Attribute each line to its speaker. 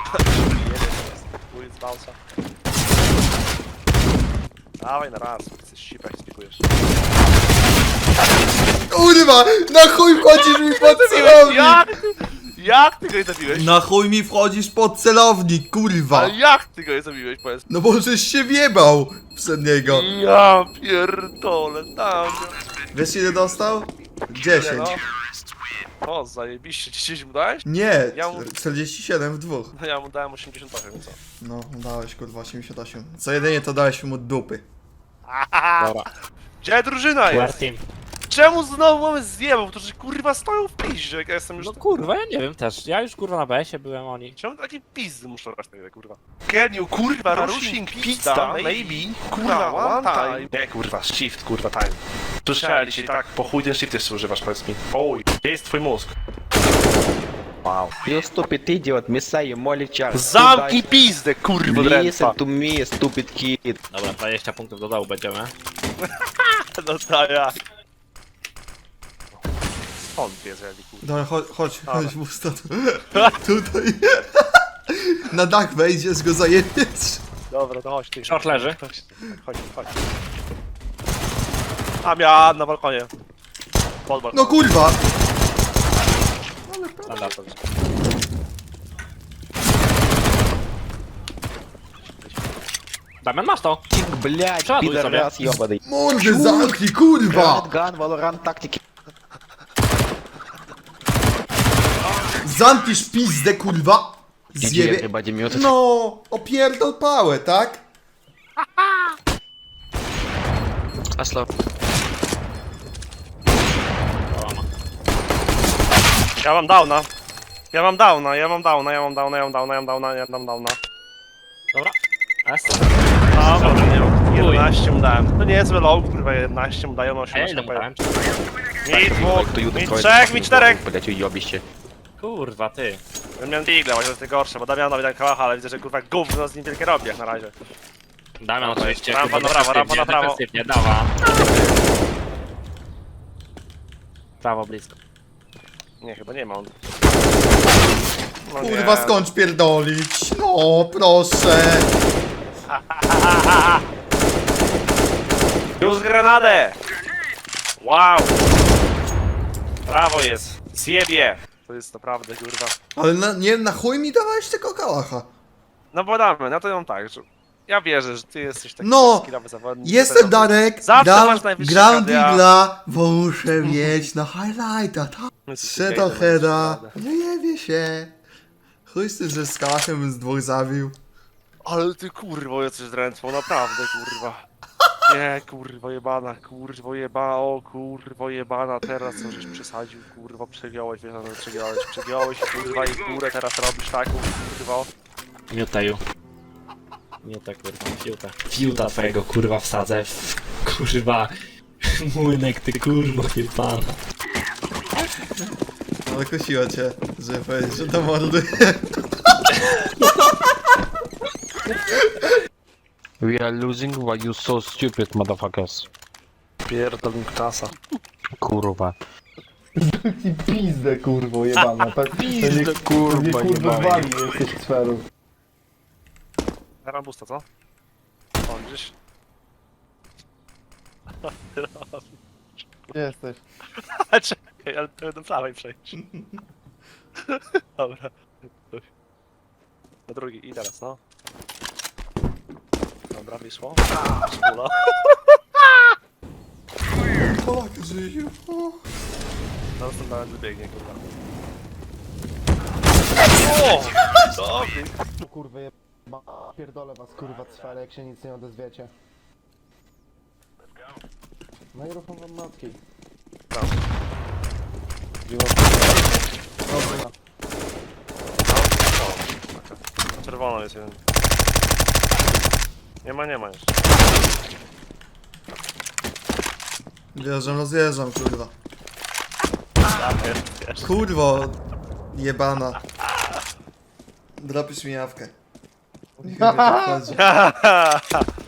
Speaker 1: Chuj z bounce'a. Dawaj na raz, chcesz sipać, spikujesz.
Speaker 2: Kurwa! Na chuj wchodzisz mi pod celownik!
Speaker 1: Jak ty go nie zabiłeś?
Speaker 2: Na chuj mi wchodzisz pod celownik, kurwa!
Speaker 1: Ale jak ty go nie zabiłeś, powiedz?
Speaker 2: No bo żeś się wjebał przed niego.
Speaker 1: Ja pierdolę, tam.
Speaker 2: Wiesz ile dostał? 10.
Speaker 1: O, zajebiście, 10 mu dałeś?
Speaker 2: Nie,
Speaker 1: Ja mu-
Speaker 2: 47 w dwóch.
Speaker 1: No ja mu dałem 88, co?
Speaker 2: No, dałeś kurwa 88. Co jedynie to dałeś mu dupy.
Speaker 3: Dobra.
Speaker 1: Gdzie drużyna
Speaker 3: War
Speaker 1: jest?
Speaker 3: team.
Speaker 1: Czemu znowu mamy zjebał? To że kurwa stoją w piździe, jak ja jestem już...
Speaker 3: No kurwa, ja nie wiem też. Ja już kurwa na BS-ie byłem, oni.
Speaker 1: Czemu takie pizdy muszą brać tyle, kurwa? Can you, kurwa, rushing pizza, maybe? Kurwa, one time. Nie, kurwa, shift, kurwa, time. Słyszałem dzisiaj tak, po chuj ten shift jeszcze używasz, powiedz mi. Oj, gdzie jest twój mózg? Wow.
Speaker 4: You stupid idiot, Messiah, Molichar.
Speaker 1: Zamknij pizdę, kurwa, drętwa.
Speaker 4: Listen to me, stupid kid.
Speaker 3: Dobra, 20 punktów do dołu będziemy.
Speaker 1: No to jak? On wie, że ja kurwa.
Speaker 2: Dobra, chodź mu stąd. Tutaj. Na dach wejdziesz, go zajebiesz.
Speaker 1: Dobra, to chodź ty.
Speaker 3: Short leży.
Speaker 1: Chodź. A miała na balkonie. Pod balkonem.
Speaker 2: No kurwa!
Speaker 3: Standardowo. Damian, masz to?
Speaker 4: Тик, блядь,
Speaker 3: Шадуй
Speaker 4: пидорас
Speaker 3: sobie.
Speaker 4: ёбаный.
Speaker 2: Mordy zamknij, kurwa!
Speaker 4: Ган, Valorant, тактики.
Speaker 2: Zamkniesz pizdę, kurwa! Zjebie...
Speaker 4: Everybody mute.
Speaker 2: No, opierdol pałę, tak?
Speaker 4: Осло.
Speaker 1: Ja mam downa. Ja mam downa.
Speaker 3: Dobra. S.
Speaker 1: Dobra, nie mam. 11 mu dałem. To nie jest low, kurwa, 11 mu dają,
Speaker 3: A ja
Speaker 1: 18
Speaker 3: ile mu dałem?
Speaker 1: Mi dwóch,
Speaker 4: Кто ютуб
Speaker 1: mi
Speaker 4: кроет,
Speaker 1: trzech, mi czterech.
Speaker 4: Блядь, уёбище.
Speaker 3: Kurwa, ty.
Speaker 1: Ja miałem digla, właśnie to jest gorsze, bo Damianowi dałem kałacha, ale widzę, że kurwa gówno z nim wielkie robi jak na razie.
Speaker 3: Damian oczywiście.
Speaker 1: Rampa
Speaker 3: kurwa,
Speaker 1: na prawo, rampa na prawo.
Speaker 3: defensywnie, dawa. Prawo blisko.
Speaker 1: Nie, chyba nie ma on. No
Speaker 2: Kurwa,
Speaker 1: nie.
Speaker 2: skończ pierdolić. No, proszę.
Speaker 1: Już granadę! Wow! Prawo jest! Zjebie! To jest naprawdę, kurwa.
Speaker 2: Ale na chuj mi dawałeś tego kałacha.
Speaker 1: No bo damy, no to ją tak, że... Ja wierzę, że ty jesteś taki
Speaker 2: No,
Speaker 1: skillowy zawodnik.
Speaker 2: Jestem Darek,
Speaker 1: Zawsze masz najwyższy
Speaker 2: gram
Speaker 1: KDA.
Speaker 2: digla, bo muszę mieć na highlighta, tak? Shadowheada, wyjebie się. Chuj z tym, że z kałachem bym z dwóch zabił.
Speaker 1: Ale ty kurwo jesteś drętwą, naprawdę kurwa. Nie, kurwo jebana, o kurwo jebana, teraz co żeś przesadził, kurwo, przegiąłeś, wiesz, no, przegiąłeś, kurwa i górę teraz robisz taką, kurwo.
Speaker 3: Miuteju. Miutę, kurwa, fiuta. Fiuta twojego, kurwa, wsadzę w... Kurwa... Młynek, ty kurwa, jebana.
Speaker 2: Ale kusiło cię, żeby powiedzieć, że to mordy.
Speaker 4: We are losing, why you so stupid, motherfuckers.
Speaker 1: Pierdol klasa.
Speaker 4: Kurwa.
Speaker 5: Pizdę kurwo jebana, tak?
Speaker 4: Pizdę, kurwa, jebana.
Speaker 5: wali jesteś sferu.
Speaker 1: Teraz busta, co? O, gdzieś.
Speaker 5: Gdzie jesteś?
Speaker 1: Czekaj, ale to do prawej przejść. Dobra. Na drugi i teraz, no. Dobra, wyszło. Szpula.
Speaker 2: Polak żyje.
Speaker 1: Zaraz ten nawet wybiegnie, kurwa. O! Dobry.
Speaker 5: Kurwa jeba. Pierdolę was kurwa sferę, jak się nic nie odezwiecie. No i rucham wam matki.
Speaker 1: Tam.
Speaker 5: Dobra.
Speaker 1: Na czerwono jest jeden. Nie ma jeszcze.
Speaker 2: Rozjeżdżam, kurwa.
Speaker 1: Wiesz.
Speaker 2: Kurwo, jebana. Dropisz mi jawkę. Niech mi to wchodzi.